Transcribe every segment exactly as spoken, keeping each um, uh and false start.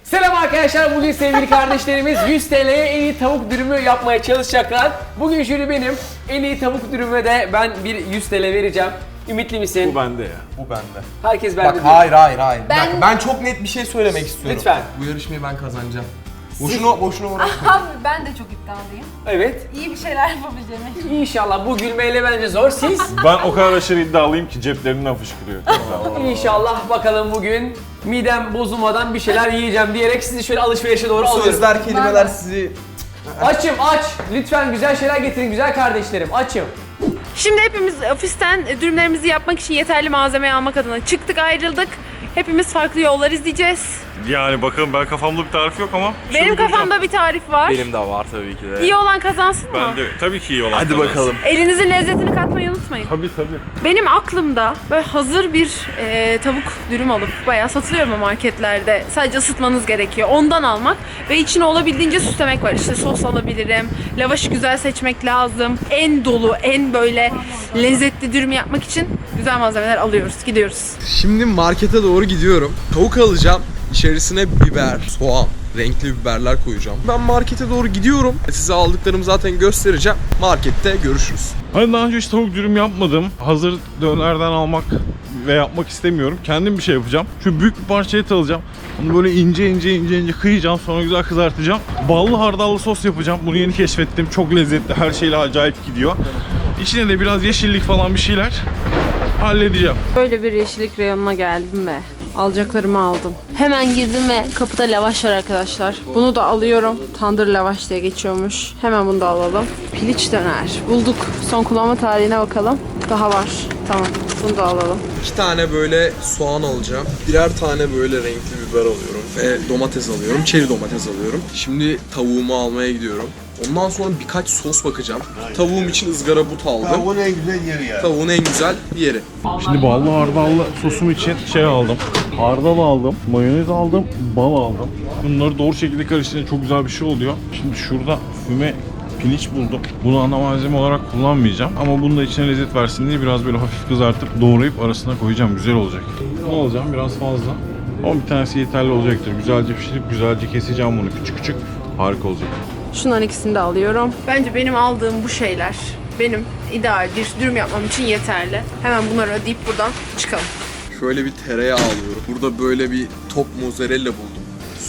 Selam arkadaşlar, bugün sevgili kardeşlerimiz yüz T L'ye en iyi tavuk dürümü yapmaya çalışacaklar. Bugün jüri benim, en iyi tavuk dürümüne de ben bir yüz T L vereceğim. Ümitli misin? Bu bende ya. Bu bende. Herkes bende Bak diyor. hayır hayır hayır. Ben- Ben... ben çok net bir şey söylemek istiyorum. Lütfen. Bu yarışmayı ben kazanacağım. Boşuna boşuna uğraşmayın. Abi ben de çok iddialıyım. Evet. İyi bir şeyler yapabileceğime. İnşallah bu gülmeyle bence zor. Siz? Ben o kadar aşırı iddialıyım ki ceplerinden fışkırıyor. İnşallah bakalım bugün midem bozulmadan bir şeyler yiyeceğim diyerek sizi şöyle alışverişe doğru Bu alıyorum. sözler, kelimeler Vallahi. sizi... Açım aç. Lütfen güzel şeyler getirin güzel kardeşlerim. Açım. Şimdi hepimiz ofisten dürümlerimizi yapmak için yeterli malzemeyi almak adına çıktık, ayrıldık. Hepimiz farklı yollar izleyeceğiz. Yani bakalım, ben kafamda bir tarif yok ama. Benim şöyle kafamda bir tarif var. Benim de var tabii ki de. İyi olan kazansın mı? Ben de tabii ki iyi olan Hadi kazansın. bakalım. Elinizin lezzetini katmayı unutmayın. Tabii tabii. Benim aklımda böyle hazır bir e, tavuk dürüm alıp, bayağı satılıyor mu marketlerde, sadece ısıtmanız gerekiyor. Ondan almak ve içine olabildiğince süslemek var. İşte sos alabilirim, lavaşı güzel seçmek lazım. En dolu, en böyle lezzetli dürüm yapmak için güzel malzemeler alıyoruz, gidiyoruz. Şimdi markete doğru gidiyorum. Tavuk alacağım. İçerisine biber, soğan, renkli biberler koyacağım. Ben markete doğru gidiyorum. Size aldıklarımı zaten göstereceğim. Markette görüşürüz. Hani daha önce hiç tavuk dürüm yapmadım. Hazır dönerden almak ve yapmak istemiyorum. Kendim bir şey yapacağım. Şu büyük bir parça et alacağım. Onu böyle ince ince ince ince kıyacağım. Sonra güzel kızartacağım. Ballı hardallı sos yapacağım. Bunu yeni keşfettim. Çok lezzetli. Her şeyle acayip gidiyor. İçine de biraz yeşillik falan bir şeyler halledeceğim. Böyle bir yeşillik reyonuna geldim ve alacaklarımı aldım. Hemen girdim ve kapıda lavaş var arkadaşlar. Bunu da alıyorum. Tandır lavaş diye geçiyormuş. Hemen bunu da alalım. Piliç döner. Bulduk. Son kullanma tarihine bakalım. Daha var. Tamam. Bunu da alalım. İki tane böyle soğan alacağım. Birer tane böyle renkli biber alıyorum. Ve domates alıyorum. Çeri domates alıyorum. Şimdi tavuğumu almaya gidiyorum. Ondan sonra birkaç sos bakacağım. Tavuğum için ızgara but aldım. Tavuğun en güzel yeri yani. Tavuğun en güzel yeri. Şimdi ballı hardallı sosum için şey aldım. Hardal aldım, mayonez aldım, bal aldım. Bunları doğru şekilde karıştırınca çok güzel bir şey oluyor. Şimdi şurada füme piliç buldum. Bunu ana malzeme olarak kullanmayacağım. Ama bunu da içine lezzet versin diye biraz böyle hafif kızartıp doğrayıp arasına koyacağım. Güzel olacak. Ne alacağım? Biraz fazla. Ama bir tanesi yeterli olacaktır. Güzelce pişirip güzelce keseceğim bunu küçük küçük. Harika olacak. Şunların ikisini de alıyorum. Bence benim aldığım bu şeyler benim ideal bir dürüm yapmam için yeterli. Hemen bunları ödeyip buradan çıkalım. Şöyle bir tereyağı alıyorum. Burada böyle bir top mozzarella buldum.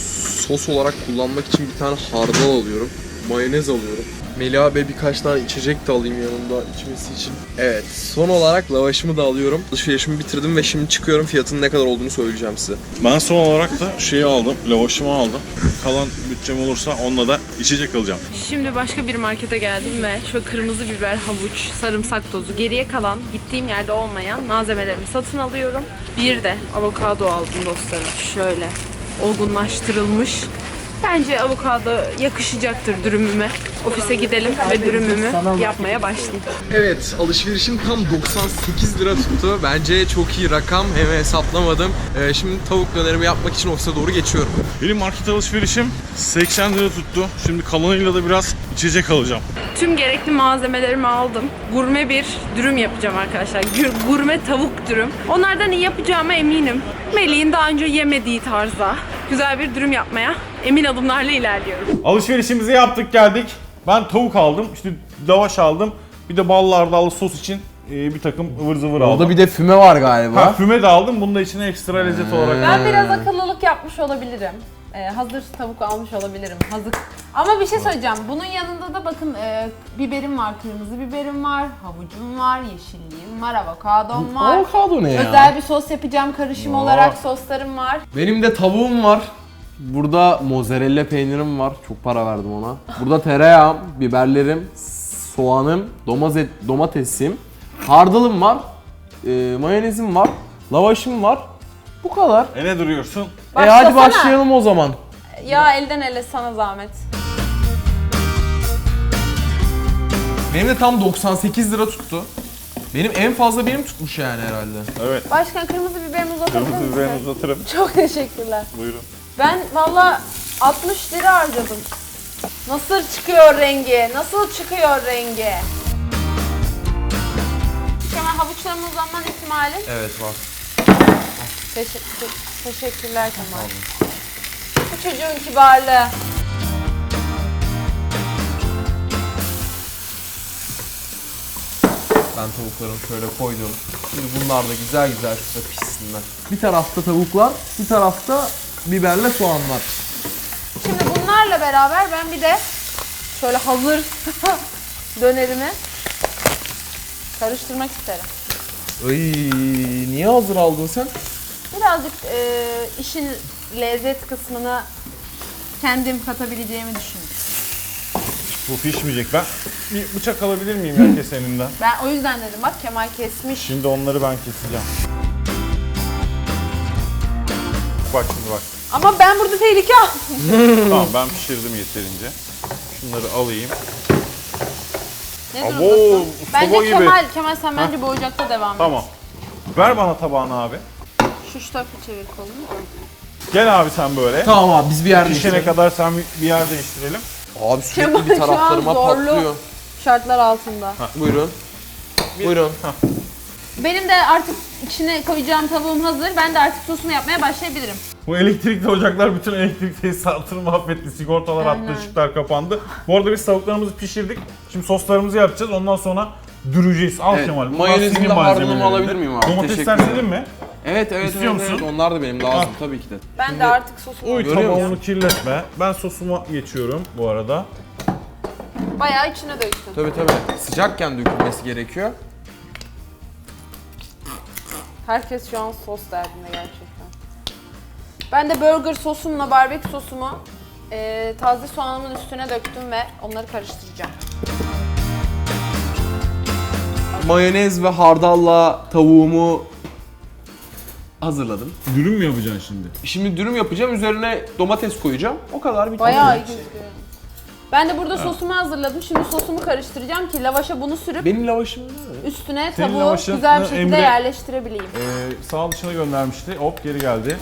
Sos olarak kullanmak için bir tane hardal alıyorum. Mayonez alıyorum. Melih Bey birkaç tane içecek de alayım yanında içmesi için. Evet, son olarak lavaşımı da alıyorum. Alışverişimi bitirdim ve şimdi çıkıyorum. Fiyatının ne kadar olduğunu söyleyeceğim size. Ben son olarak da şeyi aldım, lavaşımı aldım. Kalan bütçem olursa onunla da içecek alacağım. Şimdi başka bir markete geldim ve şu kırmızı biber, havuç, sarımsak tozu, geriye kalan gittiğim yerde olmayan malzemelerimi satın alıyorum. Bir de avokado aldım dostlarım. Şöyle olgunlaştırılmış. Bence avokado yakışacaktır dürümüme. Ofise gidelim ve dürümümü yapmaya başlayayım. Evet, alışverişim tam doksan sekiz lira tuttu. Bence çok iyi rakam. Hem hesaplamadım. Ee, şimdi tavuk dönerimi yapmak için ofise doğru geçiyorum. Benim market alışverişim seksen lira tuttu. Şimdi kalanıyla da biraz içecek alacağım. Tüm gerekli malzemelerimi aldım. Gurme bir dürüm yapacağım arkadaşlar. Gür- Gurme tavuk dürüm. Onlardan iyi yapacağıma eminim. Melih'in daha önce yemediği tarzda güzel bir dürüm yapmaya emin adımlarla ilerliyorum. Alışverişimizi yaptık geldik. Ben tavuk aldım, işte lavaş aldım. Bir de ballı hardallı sos için e, bir takım ıvır zıvır aldım. Orada bir de füme var galiba. Ha, füme de aldım. Bunu da içine ekstra lezzet olarak. Ben biraz akıllılık yapmış olabilirim. Ee, hazır tavuk almış olabilirim. Hazır. Ama bir şey söyleyeceğim. Bunun yanında da bakın e, biberim var, kırmızı biberim var, havucum var, yeşilliğim var, avokadom var. Avokado ne ya? Özel bir sos yapacağım karışım olarak soslarım var. Benim de tavuğum var. Burada mozzarella peynirim var. Çok para verdim ona. Burada tereyağım, biberlerim, soğanım, domates, domatesim, hardalım var, e, mayonezim var, lavaşım var. Bu kadar. E ne duruyorsun? E hadi Başlasana. başlayalım o zaman. Ya elden ele sana zahmet. Benim de tam doksan sekiz lira tuttu. Benim en fazla benim tutmuş yani herhalde. Evet. Başkan kırmızı biberimi uzatabilir Kırmızı misin? biberini uzatırım. Çok teşekkürler. Buyurun. Ben valla altmış lira harcadım. Nasıl çıkıyor rengi? Nasıl çıkıyor rengi? Hemen havuçlarımın uzanma ihtimali. Evet var. Teşekkür, teşekkürler Kemal. çocuğun kibarlığı. Ben tavuklarımı şöyle koydum. Şimdi bunlar da güzel güzel şurada pişsinler. Bir tarafta tavuklar, bir tarafta biberle soğanlar. Şimdi bunlarla beraber ben bir de şöyle hazır dönerimi karıştırmak isterim. Ay, niye hazır aldın sen? Birazcık e, işin lezzet kısmını kendim katabileceğimi düşündüm. Bu pişmeyecek. Ben bir bıçak alabilir miyim herkes elinden? Ben o yüzden dedim bak Kemal kesmiş. Şimdi onları ben keseceğim. Bak şimdi bak. Ama ben burada tehlike aldım. Tamam ben pişirdim yeterince. Şunları alayım. Ne Abo, durumdasın? Bence soba gibi. Kemal, Kemal sen bence bu ocakta devam et. Tamam. Ver bana tabağını abi. Şu şu tarafa çevir kolunu. Gel abi sen böyle. Tamam abi biz bir yer Pişene kadar sen bir- bir yer değiştirelim. Abi sürekli Kemal bir şu an taraflarıma zorlu. patlıyor. Şartlar altında. Buyurun. Buyurun. Benim de artık içine koyacağım tavuğum hazır. Ben de artık sosumu yapmaya başlayabilirim. Bu elektrikli ocaklar bütün elektrik tesisatını mahvetti. Sigortalar Aynen. attı, ışıklar kapandı. Bu arada biz tavuklarımızı pişirdik. Şimdi soslarımızı yapacağız. Ondan sonra düreceğiz. Al Evet, Kemal. bunlar mayonezini senin de malzemelerin. harcımı alabilir miyim abi? Domatesler Teşekkür senin mi? Evet evet İstiyor evet, musun? evet. Onlar da benim lazım Ah. tabii ki de. Ben Şimdi- de artık sosumu Uy Görüyor tabağını musun? kirletme. Ben sosuma geçiyorum bu arada. bayağı içine döktüm. Tabii tabii. Sıcakken dökülmesi gerekiyor. Herkes şu an sos derdinde gerçekten. Ben de burger sosumla barbekü sosumu e, taze soğanımın üstüne döktüm ve onları karıştıracağım. Mayonez ve hardalla tavuğumu hazırladım. Dürüm mü yapacaksın şimdi? Şimdi dürüm yapacağım. Üzerine domates koyacağım. O kadar bitti. Bayağı iyi gözüküyor. Ben de burada sosumu hazırladım. Şimdi sosumu karıştıracağım ki lavaşa bunu sürüp Benim lavaşım ne? üstüne Senin tavuğu lavaşını güzel bir şekilde Emre- yerleştirebileyim. Ee, sağ dışına göndermişti. Hop geri geldi.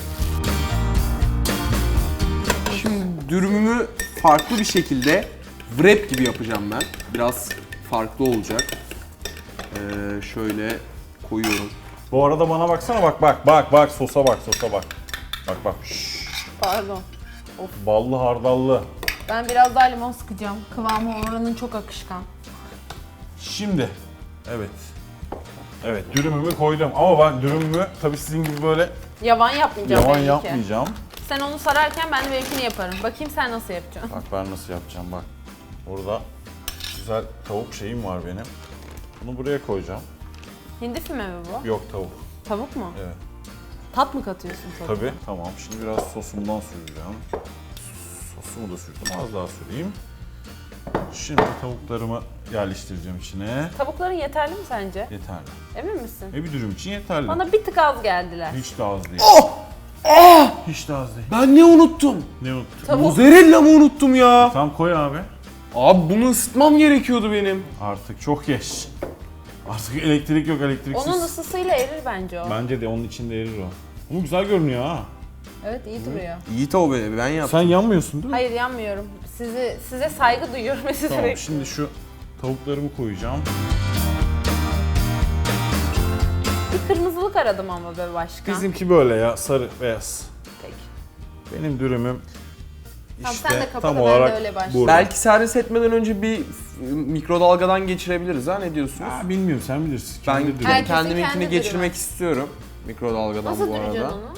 Şimdi dürümümü farklı bir şekilde wrap gibi yapacağım ben. Biraz farklı olacak. Ee, şöyle koyuyorum. Bu arada bana baksana bak bak bak bak sosa bak sosa bak. Bak bak. Şşş. Pardon. Ballı hardallı. Ben biraz daha limon sıkacağım. Kıvamı oranın çok akışkan. Şimdi. Evet. Evet dürümümü koydum ama ben dürümümü tabii sizin gibi böyle Yavan yapmayacağım yavan belli ki. yapmayacağım. Sen onu sararken ben de benimkini yaparım. Bakayım sen nasıl yapacaksın. Bak ben nasıl yapacağım bak. Burada güzel tavuk şeyim var benim. Bunu buraya koyacağım. Hindi füme mi bu? Yok tavuk. Tavuk mu? Evet. Tat mı katıyorsun tavuğa? Tabii. Tamam. Şimdi biraz sosumdan süreceğim. Sosumu da sürdüm. Az daha süreyim. Şimdi tavuklarımı yerleştireceğim içine. Tavukların yeterli mi sence? Yeterli. Emin misin? E bir dürüm için yeterli. Bana bir tık az geldiler. Hiç de az değil. Oh! Oh! Hiç de az değil. Ben ne unuttum? Ne unuttun? Tavuk. Mozzarella mı unuttum ya? Tamam koy abi. Abi bunu ısıtmam gerekiyordu benim. Artık çok geç. Artık elektrik yok elektriksiz. Onun ısısıyla erir bence o. Bence de onun içinde erir o. Ama güzel görünüyor ha. Evet iyi duruyor. İyi tavuk be, ben yaptım. Sen yanmıyorsun değil mi? Hayır yanmıyorum. Sizi size saygı duyuyorum ve sizi Tamam bekliyorum. şimdi şu tavuklarımı koyacağım. Bir kırmızılık aradım ama be başkan. Bizimki böyle ya sarı beyaz. Peki. Benim dürümüm Tamam, işte sen de kapa tam da ben de olarak öyle başlayayım. burada. Belki servis etmeden önce bir f- mikrodalgadan geçirebiliriz ha, ne diyorsunuz? Aa, bilmiyorum sen bilirsin. Ben Kendi dürüm. Herkesin kendiminkini kendi geçirmek dürümü. istiyorum mikrodalgadan Nasıl bu arada. duracaksın onu?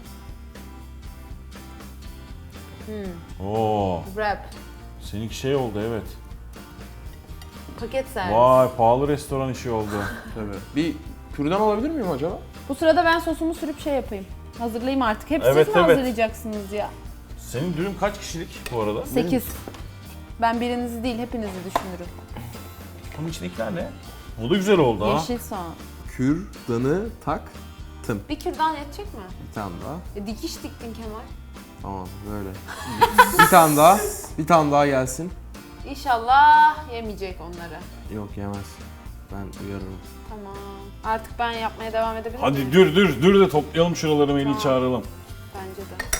Oo, Wrap. seninki şey oldu evet. Paket servis. Vay pahalı restoran işi oldu. Tabii. Bir kürdan alabilir miyim acaba? Bu sırada ben sosumu sürüp şey yapayım. Hazırlayayım artık. Hep Evet, siz mi evet. hazırlayacaksınız ya? Senin dürüm kaç kişilik bu arada? sekiz. Ben birinizi değil hepinizi düşünürüm. Bunun içindekiler ne? O da güzel oldu ha. Yeşil soğan. Kürdanı taktım. Bir kürdan yetecek mi? Bir tane daha. E, dikiş diktin Kemal. Tamam böyle. Bir tane daha. Bir tane daha gelsin. İnşallah yemeyecek onları. Yok yemez. Ben uyarırım. Tamam. Artık ben yapmaya devam edebilir miyim? Hadi dür dür dür de toplayalım şuraları Melih'i Tamam. çağıralım. Bence de.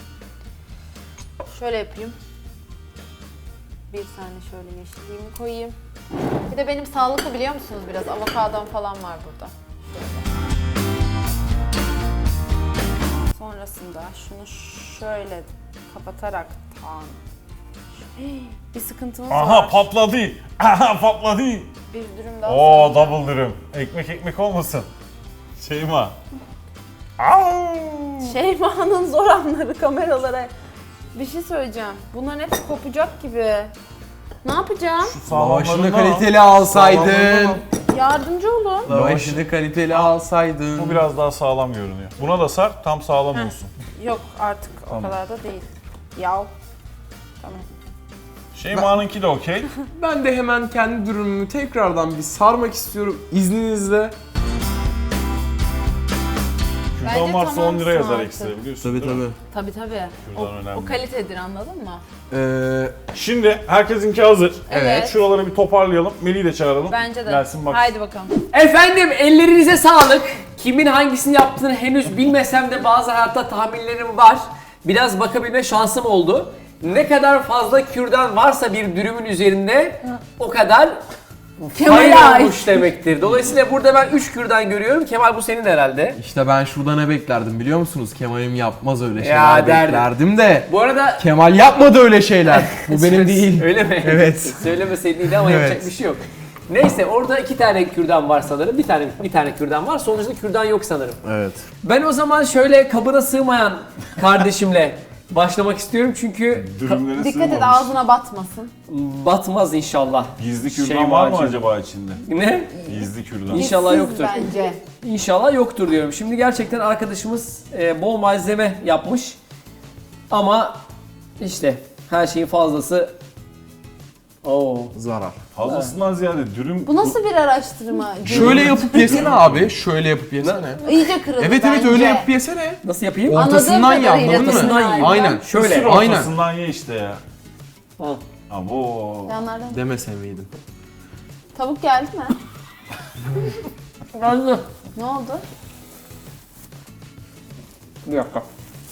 Şöyle yapayım. Bir saniye şöyle yeşilliğimi koyayım. Bir de benim sağlıklı biliyor musunuz biraz? Avokadom falan var burada. Şöyle. Sonrasında şunu şöyle kapatarak tan. Bir sıkıntımız Aha var. patladı. Aha patladı. Bir dürüm daha. Oo double dürüm. Ekmek ekmek olmasın. Şeyma. Au! Şeyma'nın zor anları kameralara. Bir şey söyleyeceğim. Bunların hepsi kopacak gibi. Ne yapacağım? Lavaşını kaliteli alsaydın. Yardımcı olun. Lavaşını kaliteli alsaydın. Bu biraz daha sağlam görünüyor. Buna da sar, tam sağlam Heh. olsun. Yok artık Tamam. o kadar da değil. Yav. Tamam. Şeyma'nınki de okey. Ben de hemen kendi dürümümü tekrardan bir sarmak istiyorum izninizle. Kürdan Bence varsa tamam on lira yazar artık. ekstra biliyorsun Tabii değil mi? tabii. Tabii tabii. O, Kürdan önemli. o kalitedir anladın mı? Ee, Şimdi herkesinki hazır. Evet. Şuraları bir toparlayalım. Melih'i de çağıralım. Bence de. Gelsin bak. Haydi bakalım. Efendim ellerinize sağlık. Kimin hangisini yaptığını henüz bilmesem de bazı hayatta tahminlerim var. Biraz bakabilme şansım oldu. Ne kadar fazla kürdan varsa bir dürümün üzerinde o kadar Kemal'e fayda ait. olmuş demektir. Dolayısıyla burada ben üç kürdan görüyorum. Kemal bu senin herhalde. işte ben şurada ne beklerdim biliyor musunuz? Kemal'im yapmaz öyle şeyler Ya, derdim. beklerdim de. Bu arada Kemal yapmadı öyle şeyler. Bu benim değil. Öyle mi? Evet. Söylemeseydin iyiydi ama Evet. yapacak bir şey yok. Neyse orada iki tane kürdan var sanırım. Bir tane bir tane kürdan var. Sonuçta kürdan yok sanırım. Evet. Ben o zaman şöyle kabına sığmayan kardeşimle başlamak istiyorum çünkü Dürümlere Dikkat et sığmamış. ağzına batmasın. batmaz inşallah. Gizli kürdan Şey var mı macun. acaba içinde? Ne? Gizli kürdan. İnşallah Siz yoktur. Bence. İnşallah yoktur diyorum. Şimdi gerçekten arkadaşımız e, bol malzeme yapmış. Ama işte her şeyin fazlası Oo. Zarar. Fazlasından ziyade dürüm... Bu nasıl bir araştırma? Şöyle yapıp yesene abi. Şöyle yapıp yesene. İyice kırıldı Evet evet bence. öyle yapıp yesene. Nasıl yapayım? O- ortasından Anladığım ye, kadarıyla anladın mı? Ortasından dürüm ye. Aynen. harbiden. Şöyle. Sür Aynen. ortasından ye işte ya. Al. Abo. Yanlardan. Demese miydim? Tavuk geldi mi? Anladım. Ne oldu? Bir dakika.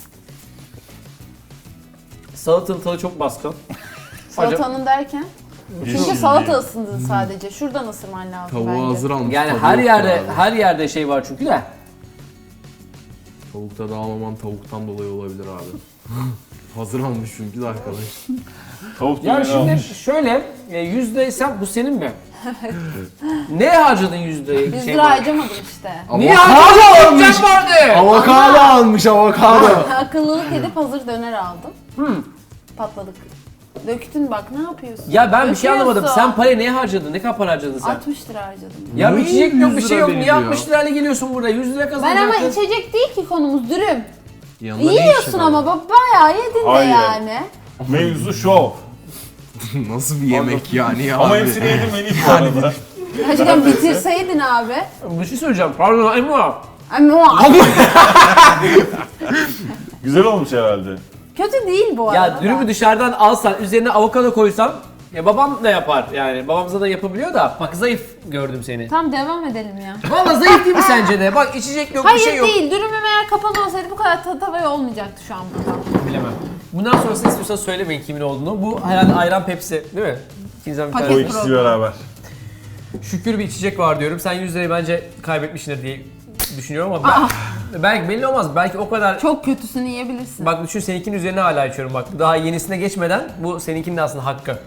Salatanın tadı çok baskın. Salatanın derken? Çünkü Yeşil salata diye. ısındın sadece. Şuradan ısırman lazım Tavuğu bence. hazır almış. Yani tadı her yok yerde abi. her yerde şey var çünkü de. Tavukta dağlaman tavuktan dolayı olabilir abi. Hazır almış çünkü de arkadaş. Tavuk Ya dürümünü şimdi almış. şöyle e, yüzde sen bu senin mi? Ne harcadın yüzdeyi? yüz Şey lira var. harcamadım işte. Niye Avokado harcadın? almış. Bütçem vardı. Avokado almış avokado. Akıllılık edip hazır döner aldım. Hmm. Patladık. Döktün bak ne yapıyorsun? Ya ben bir şey Döküyorsun. anlamadım. Sen parayı neye harcadın? Ne kadar para harcadın sen? altmış lira harcadım. Ya bir Niye içecek yok, bir yüz şey lira yok. Niye veriliyor? altmış lirayla geliyorsun burada? yüz lira Ben kazanacaksın. ama içecek değil ki konumuz dürüm. Yanında ne Yiyorsun işin ama var? bak bayağı yedin de Hayır. yani. Mevzu şov. Nasıl bir yemek yani ya Ama abi? hepsini yedim Melih bu arada. Gerçekten bitirseydin abi. Bir şey söyleyeceğim. Pardon Emma. Ama Güzel olmuş herhalde. kötü değil bu arada. Ya dürümü dışarıdan alsan, üzerine avokado koysan, ya babam da yapar yani. Babamıza da yapabiliyor da. Bak zayıf gördüm seni. Tamam devam edelim ya. Valla zayıf değil mi sence de? Bak içecek yok, bir Hayır şey yok. değil. Dürümüm eğer kapalı olsaydı bu kadar ta- tavaya olmayacaktı şu an burada. Bilemem. Bundan sonrası istiyorsanız söylemeyin kimin olduğunu. Bu herhalde ayran Pepsi değil mi? İkinizden bir Paket. tane. O ikisi beraber. Şükür bir içecek var diyorum. Sen yüz lirayı bence kaybetmişsindir diye düşünüyorum ama ben, belki belli olmaz. Belki o kadar... Çok kötüsünü yiyebilirsin. Bak düşün seninkinin üzerine hala içiyorum bak. Daha yenisine geçmeden bu seninkinin de aslında hakkı.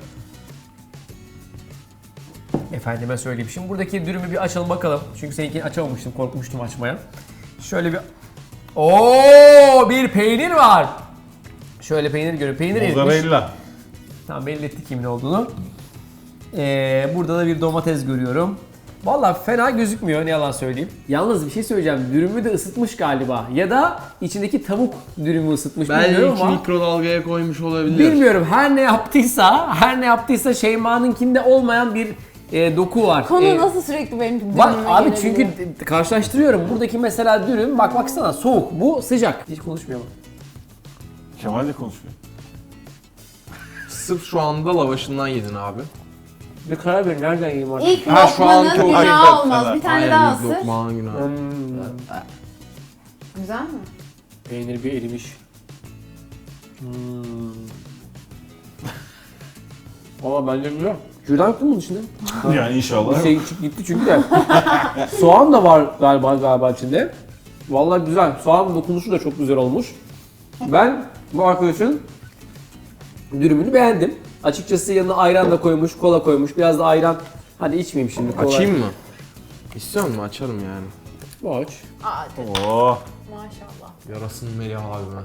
Efendime söyleyeyim. Şimdi buradaki dürümü bir açalım bakalım. Çünkü seninkini açamamıştım, korkmuştum açmaya. Şöyle bir... Oo, bir peynir var. Şöyle peynir görün. Peynir erimiş. Mozzarella. Tamam belli ettik kimin olduğunu. Ee, burada da bir domates görüyorum. Vallahi fena gözükmüyor ne yalan söyleyeyim. Yalnız bir şey söyleyeceğim. Dürümü de ısıtmış galiba. Ya da içindeki tavuk dürümü ısıtmış bilmiyorum Belki ama. mikrodalgaya koymuş olabilir. Bilmiyorum. Her ne yaptıysa, her ne yaptıysa Şeyma'nınkinde olmayan bir e, doku var. Konu E, nasıl sürekli benim dürümüme Bak abi gelebiliyor? çünkü d- karşılaştırıyorum. Buradaki mesela dürüm bak baksana soğuk. Bu sıcak. Hiç konuşmuyor mu? Kemal de konuşuyor. Sırf şu anda lavaşından yedin abi. Bir karar verin. Nereden yiyeyim artık? İlk Ha, şu lokmanın anki o- günahı Hakikaten olmaz. ha. Bir tane Aynen, daha ilk ısır. lokmanın günahı. Hmm. Güzel mi? Peynir bir erimiş. Hmm. Valla bence güzel. Kürdan yok mu bunun içinde? Yani inşallah. Şey çık- gitti çünkü de. Soğan da var galiba galiba içinde. Vallahi güzel. Soğan dokunuşu da çok güzel olmuş. Ben bu arkadaşın dürümünü beğendim. Açıkçası yanına ayran da koymuş, kola koymuş. Biraz da ayran. Hadi içmeyeyim şimdi kola. Açayım mı? İstiyor musun? Açarım yani. Boş. Aa, Oh. maşallah. Yarasın Melih abime.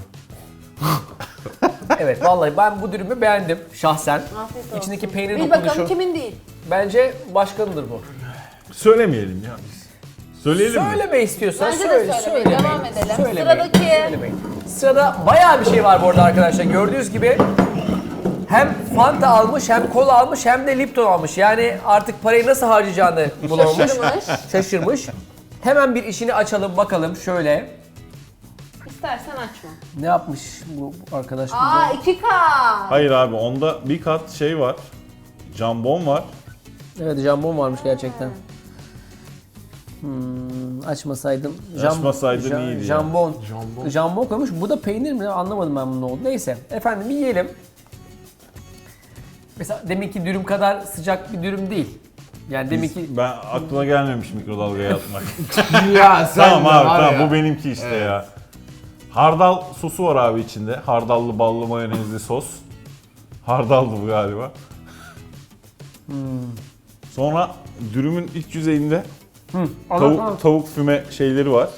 Evet vallahi ben bu dürümü beğendim şahsen. Afiyet olsun. İçindeki peynir Bir bakalım dokunuşu. kimin değil. Bence başkanıdır bu. Söylemeyelim ya biz. Söyleyelim mi? Söyleme istiyorsan Bence de söyle. söylemeyin, söylemeyin. devam edelim. Söylemeyin, Sıradaki. söylemeyin. Sırada bayağı bir şey var bu arada arkadaşlar. Gördüğünüz gibi hem Fanta almış, hem kola almış, hem de Lipton almış. Yani artık parayı nasıl harcayacağını bulamamış. Şaşırmış. Şaşırmış. Hemen bir işini açalım bakalım şöyle. İstersen açma. Ne yapmış bu arkadaş bize? Aa iki K. Hayır abi onda bir kat şey var. Jambon var. Evet jambon varmış gerçekten. Hmm, açmasaydım. Jam- Açmasaydın ja- iyiydi ya. Jambon. Jambon. Jambon koymuş. Bu da peynir mi? Anlamadım ben bunun ne oldu. Neyse. Efendim yiyelim. Mesela demek ki dürüm kadar sıcak bir dürüm değil. Yani demek ki Ben aklıma gelmemiş mikrodalgaya atmak. Ya sen Tamam de abi var tamam ya. bu benimki işte ya. Hardal sosu var abi içinde. Hardallı ballı mayonezli sos. Hardallı bu galiba. Hmm. Sonra dürümün iç yüzeyinde Anlat, tavuk, anlat. tavuk füme şeyleri var.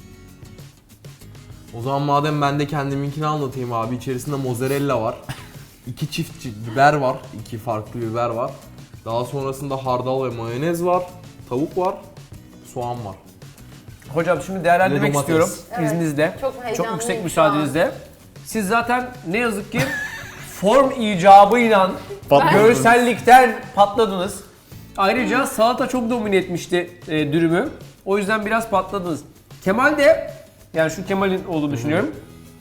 O zaman madem ben de kendiminkini anlatayım abi. İçerisinde mozzarella var. İki çift çi- biber var. İki farklı biber var. Daha sonrasında hardal ve mayonez var. Tavuk var. Soğan var. Hocam şimdi değerlendirmek Ve domates. istiyorum Evet. izninizle. Çok Çok heyecanlıyım yüksek şu müsaadenizle. Siz zaten ne yazık ki form icabıyla Patladınız. görsellikten patladınız. Ayrıca salata çok domine etmişti e, dürümü. O yüzden biraz patladınız. Kemal de, yani şu Kemal'in olduğunu düşünüyorum.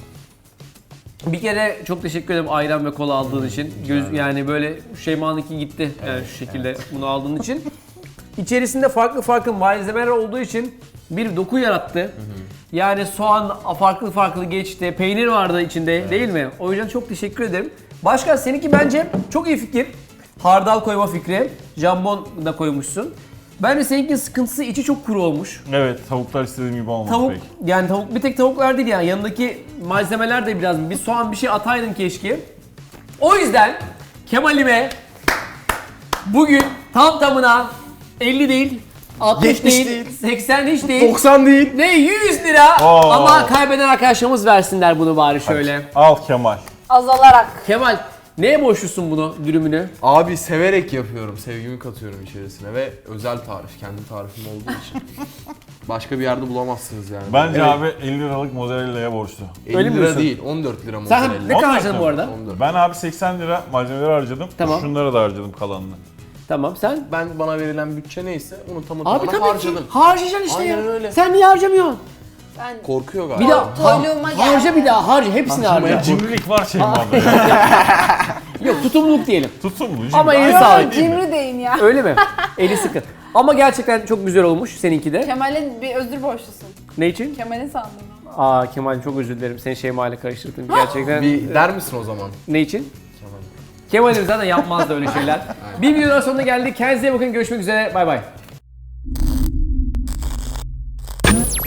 Bir kere çok teşekkür ederim ayran ve kola aldığın için. Göz, yani böyle Şeyma'nınki gitti yani şu şekilde bunu aldığın için. İçerisinde farklı farklı malzemeler olduğu için bir doku yarattı. Yani soğan farklı farklı geçti, peynir vardı içinde değil mi? O yüzden çok teşekkür ederim. Başkan seninki bence çok iyi fikir. Hardal koyma fikri, jambon da koymuşsun. Bence seninkinin sıkıntısı içi çok kuru olmuş. Evet tavuklar istediğim gibi olmadı Tavuk, pek. yani tavuk bir tek tavuklar değil yani yanındaki malzemeler de biraz bir soğan bir şey ataydın keşke. O yüzden Kemal'ime bugün tam tamına elli değil, altmış yetmiş değil, değil. seksen hiç değil. doksan değil. Ne yüz lira Oo. ama kaybeden arkadaşlarımız versinler bunu bari şöyle. Al Kemal. Azalarak. Kemal neye borçlusun bunu dürümünü? Abi severek yapıyorum. Sevgimi katıyorum içerisine ve özel tarif. Kendi tarifim olduğu için. Başka bir yerde bulamazsınız yani. Bence Evet, abi elli liralık mozzarella'ya borçlu. elli Öyle mi lira diyorsun? değil, on dört lira Sen mozzarella. ne kadar harcadın bu arada? on dört. Ben abi seksen lira malzemeleri harcadım. Tamam. Şunlara da harcadım kalanını. Tamam sen? Ben bana verilen bütçe neyse onu tamı Abi tamına tabii harcadım. ki harcayacaksın işte Aynen ya. öyle. Sen niye harcamıyorsun? Ben Korkuyor galiba. Bir daha toyluğuma geldi. harca bir daha harca hepsini harca. Cimrilik var Şeyma'da ya. Yok tutumluluk diyelim. Tutsun mu? Ama Cimri. eli Aynen sağlık. değil mi? Cimri deyin ya. Öyle mi? Eli sıkı. Ama gerçekten çok güzel olmuş seninki de. Kemal'in bir özür borçlusun. Ne için? Kemal'in sandım. Aa Kemal çok özür dilerim. Seni Şeyma ile karıştırdım. Gerçekten. Bir der misin o zaman? Ne için? Kemal'im zaten yapmazdı öyle şeyler. Bir videonun sonuna geldik. Kendinize iyi bakın. Görüşmek üzere. Bay bay.